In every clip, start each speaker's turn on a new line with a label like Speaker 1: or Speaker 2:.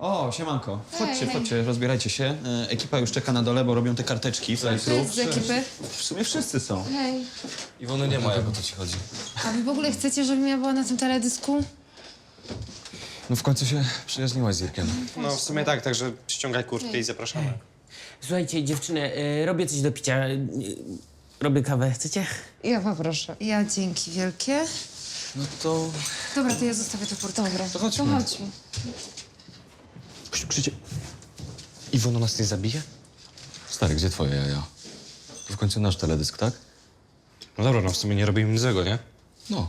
Speaker 1: O, siemanko. Chodźcie,
Speaker 2: Hej.
Speaker 1: chodźcie, rozbierajcie się. Ekipa już czeka na dole, bo robią te karteczki fly-through.
Speaker 2: Z ekipy.
Speaker 1: W sumie wszyscy są.
Speaker 2: Hej.
Speaker 3: Iwony nie ma, jak o to ci chodzi.
Speaker 2: A wy w ogóle chcecie, żebym ja była na tym teledysku?
Speaker 3: No w końcu się przyjaźniłaś z Irkiem.
Speaker 4: No w sumie tak, także ściągaj kurtkę i zapraszamy.
Speaker 5: Słuchajcie, dziewczyny, robię coś do picia. Robię kawę, chcecie?
Speaker 6: Ja poproszę.
Speaker 2: Ja dzięki wielkie.
Speaker 3: No to...
Speaker 2: Dobra, to ja zostawię to portfel. Dobra,
Speaker 3: To chodźmy.
Speaker 6: Chodźmy.
Speaker 3: Krzycie. Iwona nas nie zabije? Stary, gdzie twoje jaja? To w końcu nasz teledysk, tak?
Speaker 4: No dobra, no w sumie nie robimy nic złego, nie?
Speaker 3: No.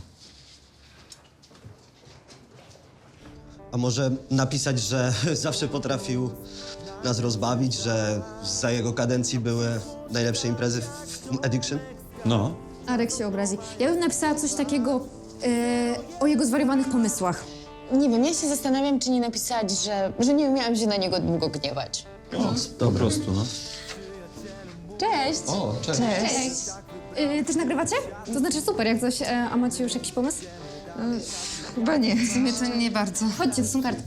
Speaker 7: A może napisać, że zawsze potrafił nas rozbawić, że za jego kadencji były najlepsze imprezy w Addiction?
Speaker 1: No.
Speaker 8: Arek się obrazi. Ja bym napisała coś takiego o jego zwariowanych pomysłach.
Speaker 6: Nie wiem, ja się zastanawiam, czy nie napisać, że nie umiałam się na niego długo gniewać.
Speaker 1: Po prostu, no.
Speaker 8: Cześć!
Speaker 1: O, cześć.
Speaker 8: Cześć! Też nagrywacie? To znaczy super, jak coś, a macie już jakiś pomysł?
Speaker 6: Chyba nie.
Speaker 2: W sumie to nie bardzo.
Speaker 8: Chodźcie, to są kartki.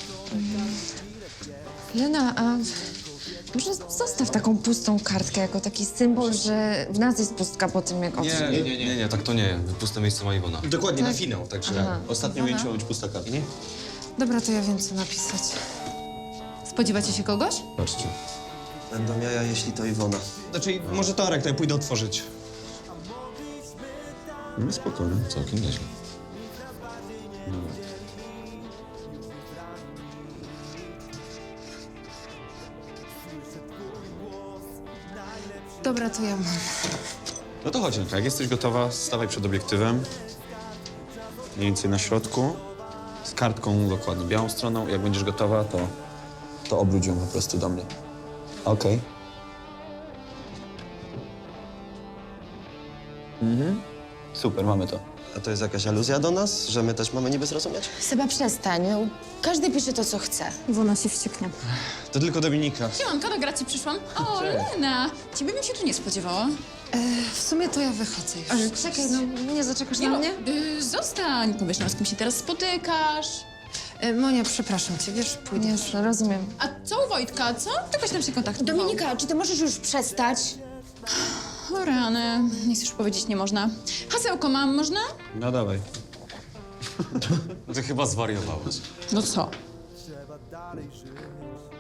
Speaker 6: Lena, a może zostaw taką pustą kartkę jako taki symbol, że w nas jest pustka po tym, jak odszedł.
Speaker 3: Nie, tak to nie. Puste miejsce ma Iwona.
Speaker 1: Dokładnie, na finał, także
Speaker 6: Aha.
Speaker 1: ostatnie ujęcie ma być pusta karta.
Speaker 2: Dobra, to ja wiem, co napisać. Spodziewacie się kogoś?
Speaker 3: Patrzcie.
Speaker 7: Będą jaja, jeśli to Iwona.
Speaker 4: Znaczy, może to Arek, to ja pójdę otworzyć.
Speaker 1: No spokojnie.
Speaker 3: Całkiem nieźle.
Speaker 2: Dobra, to ja mam.
Speaker 1: No to chodź, jak jesteś gotowa, stawaj przed obiektywem. Mniej więcej na środku. Z kartką dokładnie białą stroną. Jak będziesz gotowa, to obróć ją po prostu do mnie. Okej. Super, mamy to.
Speaker 7: A to jest jakaś aluzja do nas, że my też mamy niby zrozumieć?
Speaker 6: Seba, przestań. No, każdy pisze to, co chce.
Speaker 8: Iwona się wścieknie.
Speaker 4: To tylko Dominika.
Speaker 9: Siemanko, do gracji przyszłam. O, Lena! Ciebie bym się tu nie spodziewała.
Speaker 2: W sumie to ja wychodzę już.
Speaker 6: Ale czekaj, no nie zaczekasz na mnie?
Speaker 9: Zostań, powiesz nam, z kim się teraz spotykasz.
Speaker 2: Monia, przepraszam cię, wiesz, pójdę.
Speaker 6: Jasne, rozumiem.
Speaker 9: A co u Wojtka, co? Jakoś tam się kontaktował.
Speaker 6: Dominika, czy ty możesz już przestać?
Speaker 9: O rany, nic już powiedzieć nie można. Hasełko mam, można?
Speaker 1: No dawaj.
Speaker 3: No ty chyba zwariowałaś.
Speaker 9: No co?